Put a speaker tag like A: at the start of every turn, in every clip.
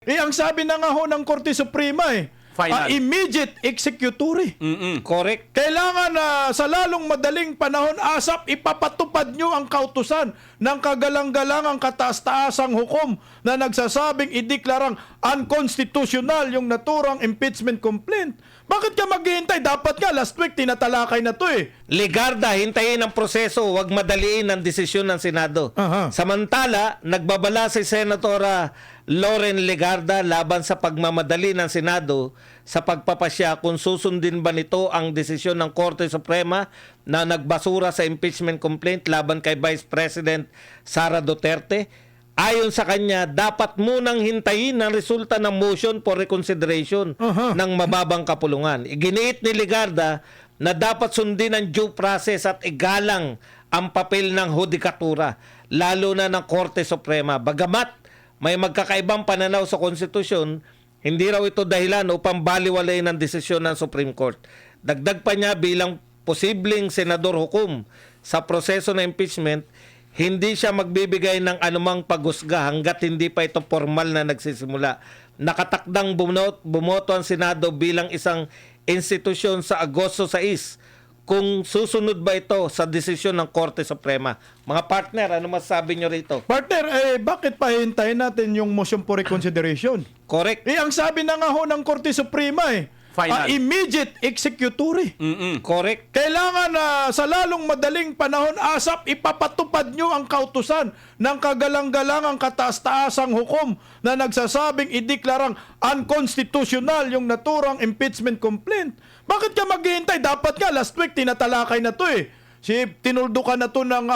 A: Ang sabi na nga ho ng Korte Suprema
B: Final.
A: Immediate executory.
C: Correct.
A: Kailangan na sa lalong madaling panahon, ASAP, ipapatupad nyo ang kautusan ng kagalang-galangang kataas-taasang hukom na nagsasabing ideklarang unconstitutional yung naturang impeachment complaint. Bakit ka maghihintay? Dapat nga, last week, tinatalakay na to
C: Legarda, hintayin ang proseso, huwag madaliin ang desisyon ng Senado.
A: Aha.
C: Samantala, nagbabala si Senatora Loren Legarda laban sa pagmamadali ng Senado sa pagpapasya kung susundin ba nito ang desisyon ng Korte Suprema na nagbasura sa impeachment complaint laban kay Vice President Sara Duterte. Ayon sa kanya, dapat munang hintayin ang resulta ng motion for reconsideration ng mababang kapulungan. Iginiit ni Legarda na dapat sundin ang due process at igalang ang papel ng hudikatura, lalo na ng Korte Suprema. Bagamat may magkakaibang pananaw sa konstitusyon, hindi raw ito dahilan upang baliwalayin ang desisyon ng Supreme Court. Dagdag pa niya, bilang posibleng senador hukom sa proseso ng impeachment, hindi siya magbibigay ng anumang paghusga hanggat hindi pa ito formal na nagsisimula. Nakatakdang bumoto ang Senado bilang isang institusyon sa Agosto 6 kung susunod ba ito sa desisyon ng Korte Suprema. Mga partner, ano masasabi nyo rito?
A: Partner, bakit pa hintayin natin yung motion for reconsideration?
C: Correct.
A: Ang sabi na nga ho ng Korte Suprema
B: Final.
A: Immediate executory.
C: Correct.
A: Kailangan na sa lalong madaling panahon, ASAP, ipapatupad nyo ang kautusan ng kagalang-galangang kataas-taasang hukom na nagsasabing ideklarang unconstitutional yung naturang impeachment complaint. Bakit ka maghihintay? Dapat nga, last week, tinatalakay na to tinuldukan na to ng,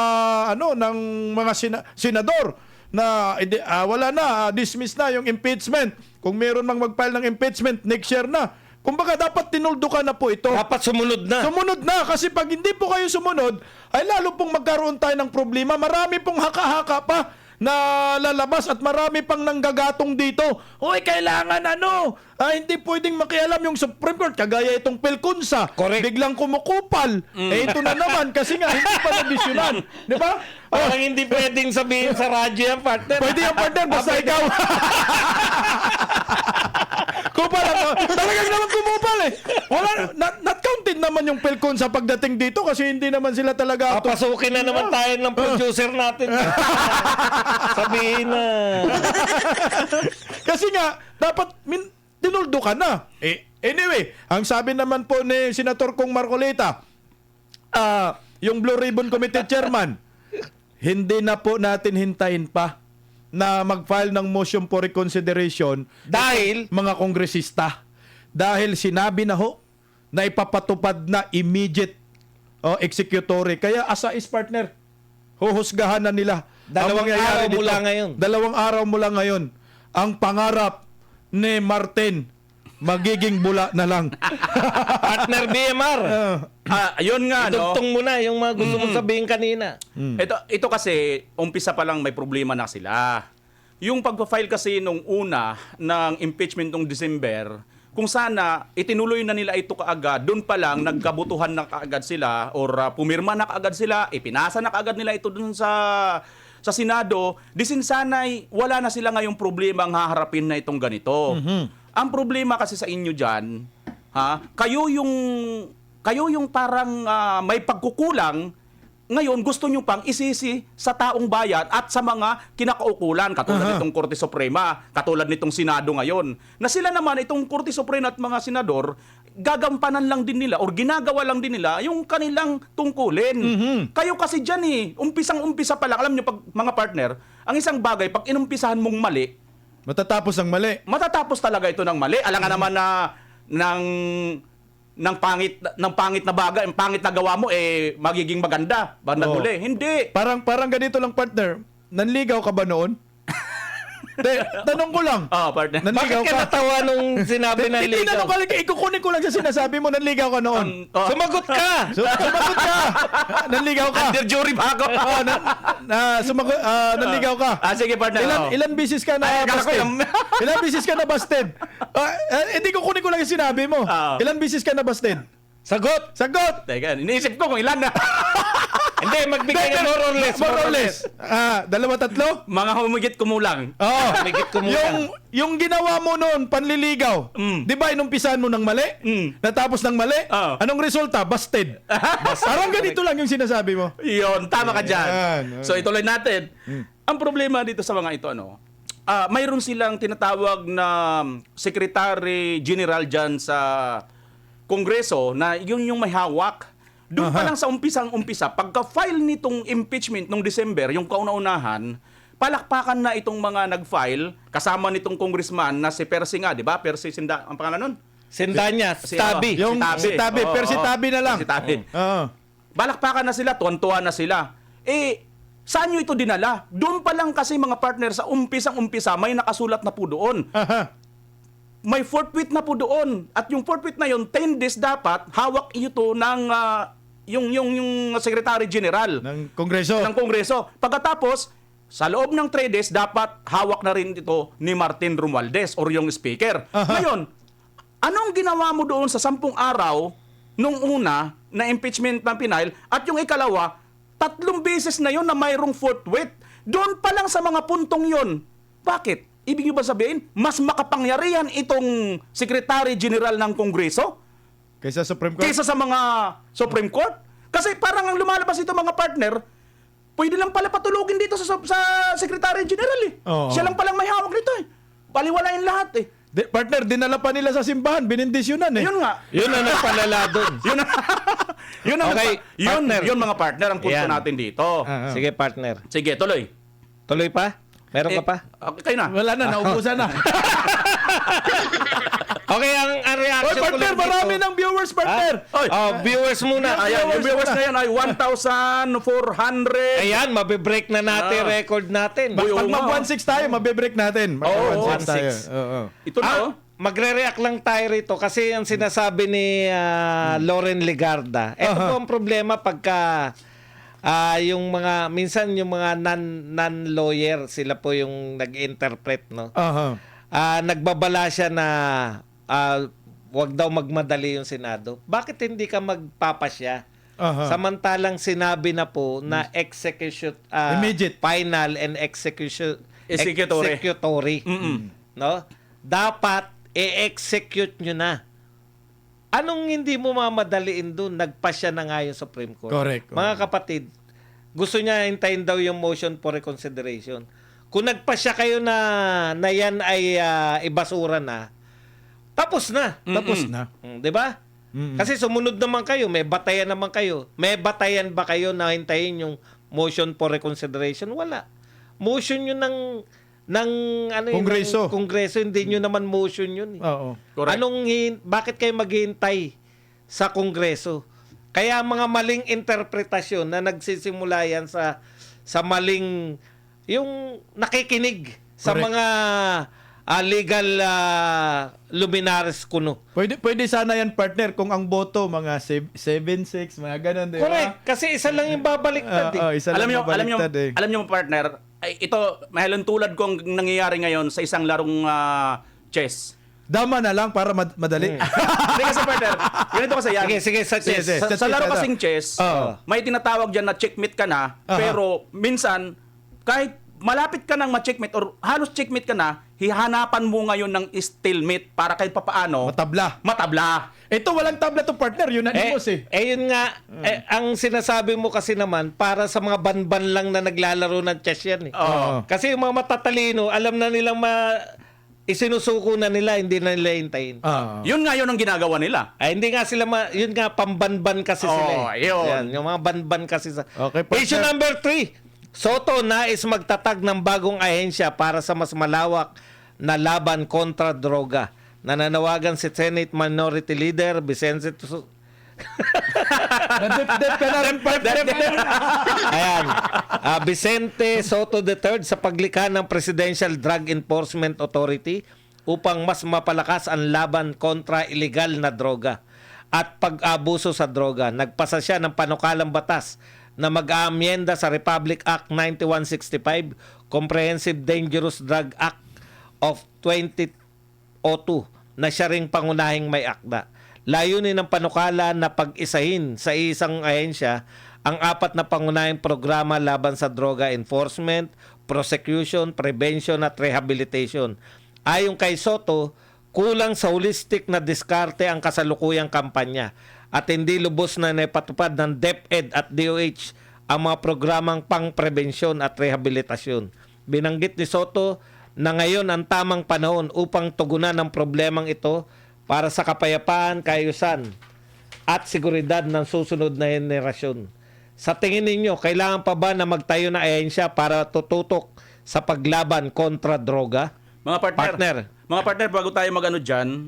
A: ng mga senador na wala na, dismiss na yung impeachment. Kung meron mang mag-file ng impeachment, next year na. Kumbaga, dapat tinuldukan na po ito.
C: Dapat sumunod na.
A: Sumunod na, kasi pag hindi po kayo sumunod, ay lalo pong magkaroon tayo ng problema. Marami pong haka-haka pa na lalabas at marami pang nanggagatong dito. Hoy, kailangan hindi pwedeng makialam yung Supreme Court. Kagaya itong Pelkunsa.
C: Correct.
A: Biglang kumukupal. Ito na naman kasi nga hindi pa nabisyonan. Di ba?
C: Parang hindi pwedeng sabihin sa radyo yan, partner.
A: Pwede yung partner, basta ikaw. Kupal ako. Talagang naman kumupal Wala, not counted naman yung Pelcon sa pagdating dito kasi hindi naman sila talaga...
C: Papasukin na naman tayo ng producer natin. Sabihin na.
A: Kasi nga, dapat tinuldo ka na. Anyway, ang sabi naman po ni Senator Kong Marcolita, yung Blue Ribbon Committee Chairman, hindi na po natin hintayin pa na mag-file ng motion for reconsideration
C: Dahil
A: mga kongresista. Dahil sinabi na ho na ipapatupad na immediate executory. Kaya asa is partner, huhusgahan na nila.
C: Dalawang araw mula ngayon.
A: Dalawang araw mula ngayon. Ang pangarap ni Martin, magiging bula na lang.
C: partner BMR.
B: Yun nga,
C: Idugtong mo na yung mga gusto mong sabihin kanina.
B: Ito kasi, umpisa pa lang may problema na sila. Yung pag-file kasi nung una ng impeachment nung December, kung sana itinuloy na nila ito kaagad, doon pa lang nagkabutuhan na kaagad sila or pumirma na kaagad sila, ipinasa na kaagad nila ito doon sa Senado, sana'y wala na sila ngayong problema ang haharapin na itong ganito. Ang problema kasi sa inyo dyan, kayo yung parang may pagkukulang, ngayon gusto nyo pang isisi sa taong bayan at sa mga kinakaukulan, katulad nitong Korte Suprema, katulad nitong Senado ngayon. Na sila naman, itong Korte Suprema at mga senador, gagampanan lang din nila or ginagawa lang din nila yung kanilang tungkulin. Kayo kasi dyan umpisang-umpisa pa lang, alam nyo, pag mga partner, ang isang bagay, pag inumpisahan mong mali,
A: Matatapos ang mali.
B: matatapos talaga ito ng mali. Alangan naman na ng pangit na bagay, ang pangit na gawa mo magiging maganda bandang huli. Hindi.
A: Parang ganito lang partner. Nanligaw ka ba noon? Tanong ko lang.
B: Partner.
A: Nanligaw
C: Bakit ka natawa nung sinabi na
A: Hindi
C: ligaw?
A: tanong ko lang, ikukunin ko lang sa sinasabi mo, nanligaw ka noon.
C: Sumagot ka!
A: Sumagot ka. Nanligaw ka.
B: Under jury ba ako?
A: Nanligaw ka.
B: Sige, partner.
A: Ilan bisis ka na busted? Ilan bisis ka na busted? Hindi ko kunin ko lang yung sinabi mo. Ilan bisis ka na busted?
C: Sagot!
A: Sagot!
B: Teka, iniisip ko kung ilan na.
C: Hindi, magbigay ka more or less.
A: More or less. Dalawa, tatlo?
B: Mga humigit kumulang.
A: Oo.
C: Humigit kumulang.
A: Yung ginawa mo noon, panliligaw, di ba inumpisahan mo ng mali? Natapos ng mali?
B: Oo.
A: Anong resulta? Busted. Parang ganito lang yung sinasabi mo.
B: Yun, tama ka dyan.
A: Yan.
B: So ituloy natin. Ang problema dito sa mga ito, mayroon silang tinatawag na Secretary General dyan sa Kongreso na yun yung may hawak. Doon pa lang sa umpisang-umpisa, pagka-file nitong impeachment nung December, yung kauna-unahan, palakpakan na itong mga nag-file, kasama nitong congressman na si Percy nga, di ba? Percy Sinda, ang pangalan nun?
C: Sindanya, Tabi.
A: Yung si Tabi, pero si Tabi na lang.
B: Si Tabi.
A: Oo.
B: Balakpakan na sila, tuwan-tuwa na sila. Saan nyo ito dinala? Doon pa lang kasi mga partner sa umpisang-umpisa, may nakasulat na po doon. May forthwith na po doon. At yung forthwith na yun, 10 days dapat, hawak ito ng yung Secretary General
A: Ng Kongreso.
B: ng Kongreso. Pagkatapos, sa loob ng 3 days, dapat hawak na rin ito ni Martin Romualdez or yung Speaker. Ngayon, anong ginawa mo doon sa 10 araw nung una na impeachment ng Pinail at yung ikalawa, 3 beses na yon na mayroong forthwith. Doon pa lang sa mga puntong yon. Bakit? Ibig nyo ba sabihin, mas makapangyarihan itong Secretary General ng Kongreso
A: Kaysa Supreme Court?
B: kaysa sa mga Supreme Court? Kasi parang ang lumalabas ito mga partner, pwede lang pala patulugin dito sa Secretary General eh.
A: Oo.
B: Siya lang palang may hawak nito eh. Baliwalain lahat eh.
A: Partner, dinala pa nila sa simbahan, binindisyonan eh.
B: Yun nga.
C: Yun ang nagpalala doon.
B: Yun yun ang
C: Okay, partner.
B: yun mga partner ang punto
C: Ayan.
B: natin dito.
C: Sige, partner.
B: Sige, tuloy.
C: Tuloy pa? Meron ka pa?
B: Okay, kayo na.
A: Wala na, naubusan na.
C: Okay, ang
A: Oy,
C: reaction ko
A: partner,
C: lang
A: marami
C: dito.
A: ng viewers, partner.
B: Oy.
C: Viewers muna.
B: Ayan, yung viewers na yan ay 1,400.
C: Ayan, mabibreak na natin record natin.
B: Uy,
A: Pag
B: oo nga.
A: mag-1.6 tayo, mabibreak natin.
B: Oo,
A: 1.6 tayo.
C: 1.6.
A: Oo.
B: Ito na oh.
C: Magre-react lang tayo rito kasi ang sinasabi ni Loren Legarda. Ito po ang problema pagka yung mga, minsan yung mga non-lawyer, sila po yung nag-interpret, no?
A: Aha.
C: Nagbabala siya na wag daw magmadali yung Senado. Bakit hindi ka magpapasya?
A: Aha.
C: Samantalang sinabi na po na
A: Immediate.
C: final and executory. No? Dapat i-execute nyo na. Anong hindi mo mamadaliin doon? Nagpasya na nga yung Supreme Court.
A: Correct.
C: Mga kapatid, gusto niya hintayin daw yung motion for reconsideration. Kung nagpasya kayo na yan ay ibasura na, tapos na.
A: Tapos na.
C: 'Di ba? Kasi sumunod naman kayo, may batayan naman kayo. May batayan ba kayo na hintayin yung motion for reconsideration? Wala. Motion yun ng ano yun,
A: Kongreso.
C: ng Kongreso, hindi nyo naman motion yun.
A: Oo.
B: Correct.
C: Bakit kayo maghihintay sa Kongreso? Kaya mga maling interpretasyon na nagsisimula yan sa maling, yung nakikinig sa
A: Correct.
C: mga legal luminaries kuno.
A: Pwede sana yan, partner, kung ang boto, mga 7-6, mga ganun, di ba?
C: Correct. Kasi isa lang yung babaliktad.
A: Isa
B: Alam
A: lang
B: nyo,
A: mabaliktad eh.
B: alam nyo partner, ay, ito, mahalan tulad kong nangyayari ngayon sa isang larong chess.
A: Dama na lang para madali.
B: Hindi kasi partner, ganito kasi yan.
C: Sige, sa chess.
A: Sige.
B: Sa laro kasing chess,
A: Oo.
B: may tinatawag dyan na checkmate ka na, pero minsan, kahit malapit ka nang ma-checkmate or halos checkmate ka na, hihanapan mo ngayon ng stalemate para kahit papaano, matabla.
A: Ito, walang tabla to, partner. Unanimous eh.
C: Yun nga, ang sinasabi mo kasi naman, para sa mga banban lang na naglalaro ng chess yan eh.
B: Oo.
C: Kasi yung mga matatalino, alam na nilang isinusuko na nila, hindi na nila hintayin.
B: Yun nga yun ang ginagawa nila.
C: Hindi nga sila, yun nga, pambanban kasi sila eh.
B: Yun.
C: Yan, yung mga banban kasi sa...
A: Okay, partner.
C: Issue number 3. Soto nais magtatag ng bagong ahensya para sa mas malawak na laban kontra droga. Nananawagan si Senate Minority Leader Vicente
A: Nadip ka na rin, partner.
C: Ayan. Vicente Soto III sa paglikha ng Presidential Drug Enforcement Authority upang mas mapalakas ang laban kontra illegal na droga at pag-abuso sa droga. Nagpasa siya ng panukalang batas na mag-aamyenda sa Republic Act 9165, Comprehensive Dangerous Drug Act of 2002 na siya ring pangunahing may akda. layunin ng panukala na pag-isahin sa isang ahensya ang 4 na pangunahing programa laban sa droga: enforcement, prosecution, prevention at rehabilitation. Ayon kay Soto, kulang sa holistic na diskarte ang kasalukuyang kampanya at hindi lubos na naipatupad ng DepEd at DOH ang mga programang pang-prebensyon at rehabilitasyon. Binanggit ni Soto na ngayon ang tamang panahon upang tugunan ang problemang ito para sa kapayapaan, kaayusan at seguridad ng susunod na henerasyon. Sa tingin ninyo, kailangan pa ba na magtayo na ahensya para tututok sa paglaban kontra droga?
B: Mga partner, bago tayo mag-ano dyan,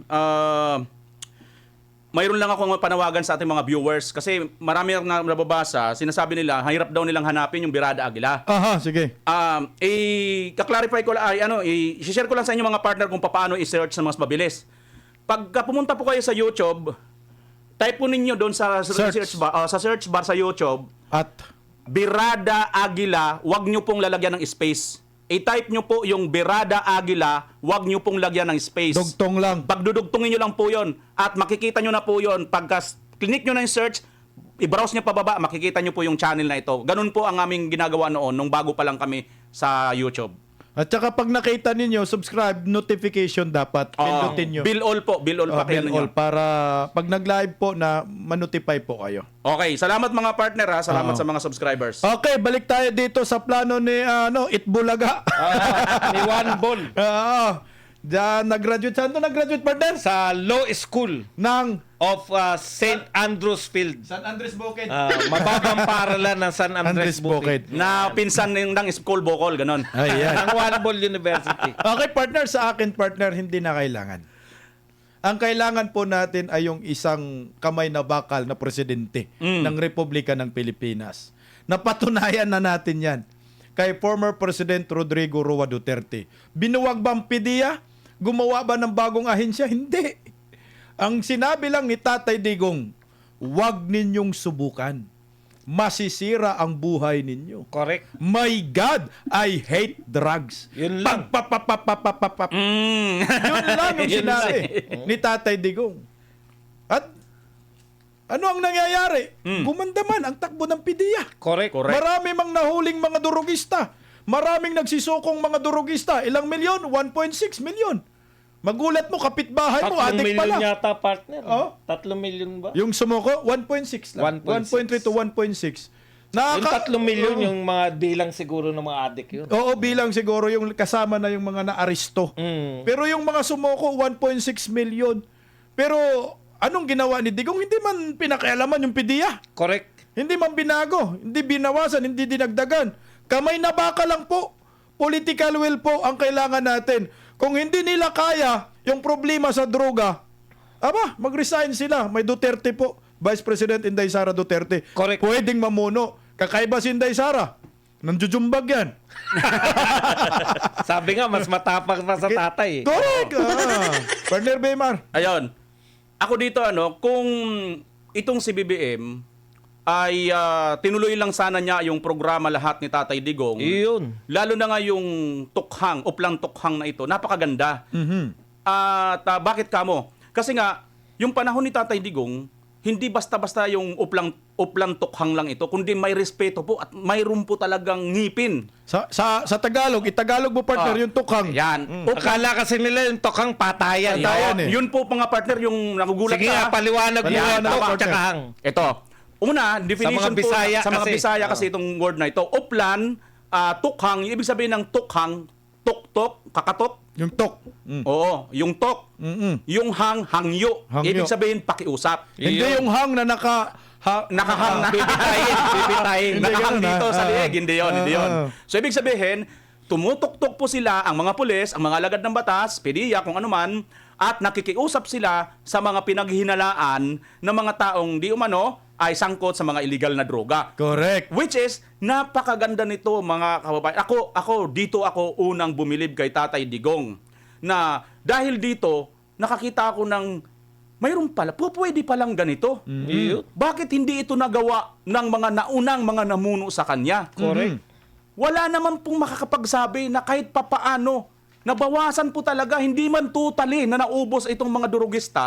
B: mayroon lang akong panawagan sa ating mga viewers kasi marami ang nababasa, sinasabi nila, hirap daw nilang hanapin yung Birada Aguila.
A: Aha, sige.
B: Kaklarify ko lang, i-share ko lang sa inyo mga partner kung paano i-search na mas mabilis. Pagka pumunta po kayo sa YouTube, type po ninyo doon sa search bar sa YouTube,
A: At
B: Birada Aguila, wag nyo pong lalagyan ng space. I-type nyo po yung Birada Aguila, wag nyo pong lagyan ng space.
A: dugtong lang.
B: Pagdudugtungin nyo lang po yon at makikita nyo na po yon. Pagka click nyo na yung search, i-browse nyo pababa, makikita nyo po yung channel na ito. Ganun po ang aming ginagawa noon nung bago pa lang kami sa YouTube.
A: At saka pag nakita ninyo, subscribe, notification dapat. Pindutin nyo.
B: Bill all po, bill all pa
A: Bill
B: kayo
A: all para pag nag-live po na manotify po kayo.
B: Okay, salamat mga partner ha. Salamat sa mga subscribers.
A: Okay, balik tayo dito sa plano ni Itbulaga.
C: Ni Juan Bol
A: Oo. Diyan nag-graduate. Saan to nag-graduate, partner?
C: sa Law School
A: Ng
C: of St. Andrews Field.
A: San Andres Bukid.
C: Mababang paralan ng San
A: Andres
C: Andres
A: Bukid.
C: Bukid.
B: Na pinsan ng school bokol, ganon.
A: Ayan.
C: Ang Juan Bol University.
A: Okay, partner, sa akin, partner, hindi na kailangan. Ang kailangan po natin ay yung isang kamay na bakal na presidente ng Republika ng Pilipinas. Napatunayan na natin yan kay former President Rodrigo Roa Duterte. Binuwag ba ang PDEA? Gumawa ba ng bagong ahensya? Hindi. Ang sinabi lang ni Tatay Digong, huwag ninyong subukan. Masisira ang buhay ninyo.
C: Correct.
A: My God, I hate drugs.
C: Yun lang.
A: Yun lang yung
C: Yun
A: sinabi ni Tatay Digong. At ano ang nangyayari? Gumanda man ang takbo ng PDEA.
C: Correct.
A: Marami mang nahuling mga durugista. Maraming nagsisukong mga durugista. Ilang milyon? 1.6 milyon. Magulat mo, kapitbahay mo,
C: 3
A: adik
C: million
A: pala.
C: yata, partner.
A: Oh?
C: 3 million ba?
A: Yung sumuko, 1.6 lang. 1.3
C: 1.6.
A: to 1.6.
C: Yung 3 million, yung mga bilang siguro ng mga adik yun.
A: Oo, bilang siguro yung kasama na yung mga na-aristo. Pero yung mga sumuko, 1.6 million. Pero anong ginawa ni Digong? Hindi man pinakialaman yung PDEA.
C: Correct.
A: Hindi man binago, hindi binawasan, hindi dinagdagan. Kamay na baka lang po. Political will po ang kailangan natin. Kung hindi nila kaya yung problema sa droga, mag-resign sila. May Duterte po. Vice President Inday Sara Duterte.
C: Correct.
A: Pwedeng mamuno. Kakaiba si Inday Sara. Nanjujumbag yan.
C: Sabi nga, mas matapang pa sa tatay.
A: Correct. Partner Baymar.
B: Ayun. Ako dito kung itong si BBM ay tinuloy lang sana niya yung programa lahat ni Tatay Digong.
C: Iyon.
B: Lalo na nga yung tukhang, uplang tukhang na ito, napakaganda. At bakit kamo? Kasi nga, yung panahon ni Tatay Digong, hindi basta-basta yung uplang tukhang lang ito, kundi may respeto po at mayroon po talagang ngipin.
A: Sa Tagalog, itagalog mo partner yung tukhang.
B: Yan.
C: Akala kasi nila yung tokang patayan.
A: Patayan.
B: Yun po mga partner, yung nagugulat
C: Sige nga, paliwanag mo
A: Paliwanag,
C: yung tok
A: partner.
C: tsaka hang.
B: Ito. Una, definition
C: mga Bisaya
B: po sa mga
C: kasi.
B: Bisaya kasi itong word na ito. Uplan, tukhang, yung ibig sabihin ng tukhang, tok-tok, kakatok.
A: Yung tok.
B: Oo, yung tok. Yung hangyo.
A: Hangyo.
B: Ibig sabihin pakiusap.
A: Hindi yung hang na
B: Nakahang na.
C: Bibitayin.
A: Hindi
B: Nakahang
A: ganun,
B: dito sa
A: ah.
B: liig. Hindi yun, hindi yun.
A: Ah.
B: So, ibig sabihin, tumutok-tok po sila, ang mga pulis, ang mga alagad ng batas, PDEA, kung ano man, at nakikiusap sila sa mga pinaghinalaan ng mga taong di umano ay sangkot sa mga illegal na droga.
A: Correct.
B: Which is, napakaganda nito mga kababayan. Dito ako unang bumilib kay Tatay Digong. Na dahil dito, nakakita ako ng mayroon pala, pwede palang ganito. Bakit hindi ito nagawa ng mga naunang mga namuno sa kanya?
C: Correct.
B: Wala naman pong makakapagsabi na kahit papaano, nabawasan po talaga, hindi man totally na naubos itong mga durugista,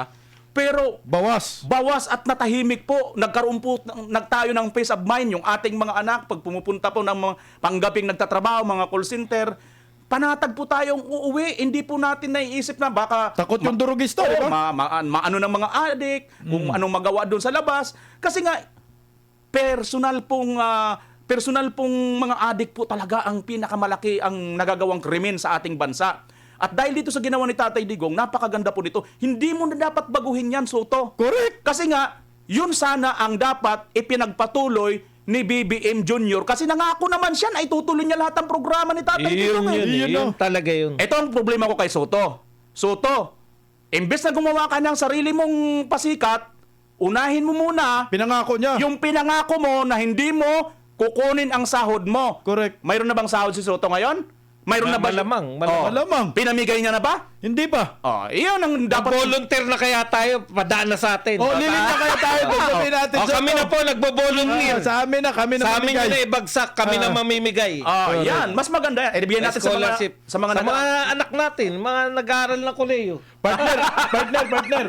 B: Pero
A: Bawas.
B: bawas at natahimik po. Nagkaroon po nagtayo ng peace of mind yung ating mga anak pag pumupunta po ng mga panggaping nagtatrabaho, mga call center. Panatag po tayong uuwi. Hindi po natin naiisip na baka
A: Takot yung durugista, di ba?
B: maano ng mga adik, kung anong magawa doon sa labas. Kasi nga personal pong mga adik po talaga ang pinakamalaki ang nagagawang krimen sa ating bansa. At dahil dito sa ginawa ni Tatay Digong, napakaganda po nito. Hindi mo na dapat baguhin yan, Soto.
A: Correct.
B: Kasi nga, yun sana ang dapat ipinagpatuloy ni BBM Jr. Kasi nangako naman siya na itutuloy niya lahat ng programa ni Tatay Digong.
C: Yun talaga yun.
B: Ito ang problema ko kay Soto. Soto, imbes na gumawa ka ng sarili mong pasikat, unahin mo muna
A: Pinangako niya.
B: yung pinangako mo na hindi mo kukunin ang sahod mo.
A: Correct.
B: Mayroon na bang sahod si Soto ngayon? Mayroon na ba?
C: Malamang.
A: Malamang.
B: Pinamigay niya na ba?
A: Hindi pa.
B: Iyon ang dapat.
C: Volunteer na kaya tayo, padaan na sa atin.
A: Lilit na kaya tayo. Sabihin natin
C: O, kami na po nagbo-volunteer.
A: Sa amin na, kami na
C: Sa amin
A: mamigay.
C: yun na ibagsak, kami na mamimigay.
B: Yan. Mas maganda yan. Bigyan natin
C: Scholarship.
B: sa mga
C: anak natin, mga nag-aaral na koleyo.
A: Partner.